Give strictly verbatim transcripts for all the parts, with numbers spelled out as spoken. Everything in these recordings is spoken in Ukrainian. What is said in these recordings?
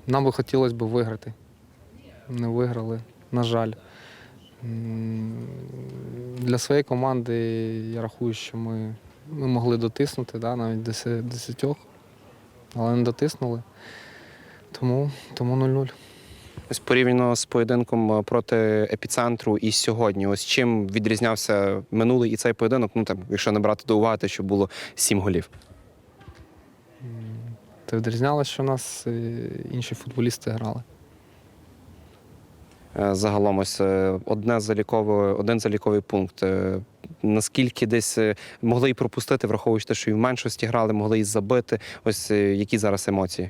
Нам би хотілося б виграти. Не виграли, на жаль. Для своєї команди я рахую, що ми, ми могли дотиснути, да, навіть десятьох, але не дотиснули. Тому, тому нуль-нуль. Ось порівняно з поєдинком проти епіцентру і сьогодні. Ось чим відрізнявся минулий і цей поєдинок, ну там, якщо не брати до уваги, те, що було сім голів. Та відрізнялося, що у нас інші футболісти грали. Загалом ось одне залікове, один заліковий пункт. Наскільки десь могли й пропустити, враховуючи те, що і в меншості грали, могли й забити. Ось які зараз емоції?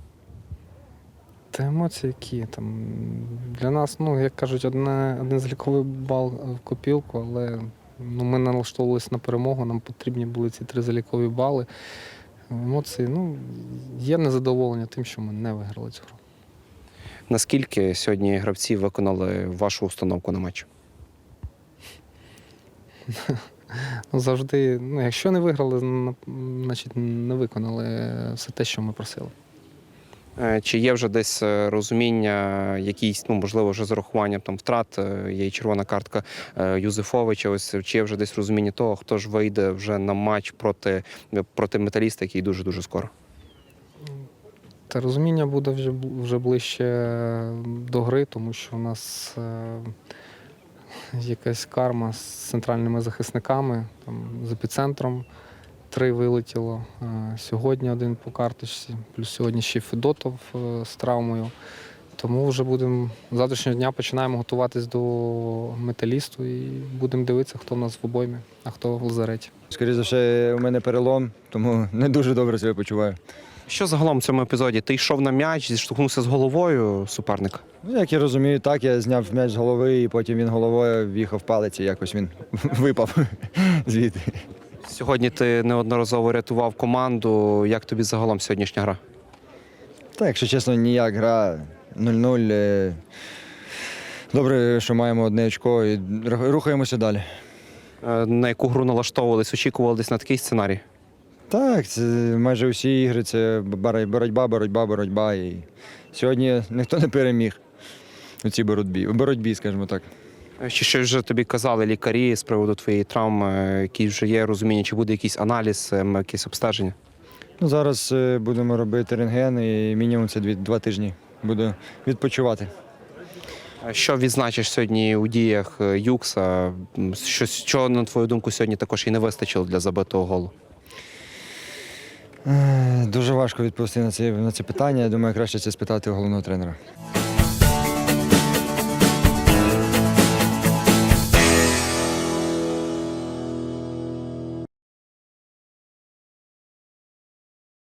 Та емоції які там. Для нас, ну, як кажуть, одне, один заліковий бал в копілку, але ну, ми налаштовувалися на перемогу, нам потрібні були ці три залікові бали. Емоції, ну, є незадоволення тим, що ми не виграли цю гру. Наскільки сьогодні гравці виконали вашу установку на матч? Ну, завжди, ну, якщо не виграли, значить не виконали все те, що ми просили. Чи є вже десь розуміння, якісь, ну, можливо, вже з урахуванням там втрат, є і червона картка Юзефовича, ось, чи є вже десь розуміння того, хто ж вийде вже на матч проти, проти металіста, який дуже-дуже скоро? Та розуміння буде вже, вже ближче до гри, тому що у нас е, якась карма з центральними захисниками, там, з епіцентром три вилетіло. Е, сьогодні один по карточці, плюс сьогодні ще Федотов е, з травмою. Тому вже будемо з завтрашнього дня починаємо готуватись до металісту і будемо дивитися, хто в нас в обоймі, а хто в лазареті. Скоріше за все, у мене перелом, тому не дуже добре себе почуваю. Що загалом в цьому епізоді? Ти йшов на м'яч, зіштовхнувся з головою суперника? Ну, як я розумію, так, я зняв м'яч з голови, і потім він головою в'їхав в палець, і якось він випав звідти. Сьогодні ти неодноразово рятував команду. Як тобі загалом сьогоднішня гра? Так, якщо чесно, ніяк гра нуль-нуль. Добре, що маємо одне очко і рухаємося далі. На яку гру налаштовувались? Очікували десь на такий сценарій? Так, це майже усі ігри, це боротьба, боротьба, боротьба. І сьогодні ніхто не переміг у цій боротьбі, у боротьбі, скажімо так. Чи щось вже тобі казали лікарі з приводу твоєї травми, які вже є розуміння, чи буде якийсь аналіз, якесь обстеження? Ну, зараз будемо робити рентген і мінімум це дві, два тижні буду відпочивати. Що відзначиш сьогодні у діях Юкса? Що, що, на твою думку, сьогодні також і не вистачило для забитого голу? Дуже важко відповісти на це, на це питання. Я думаю, краще це спитати у головного тренера.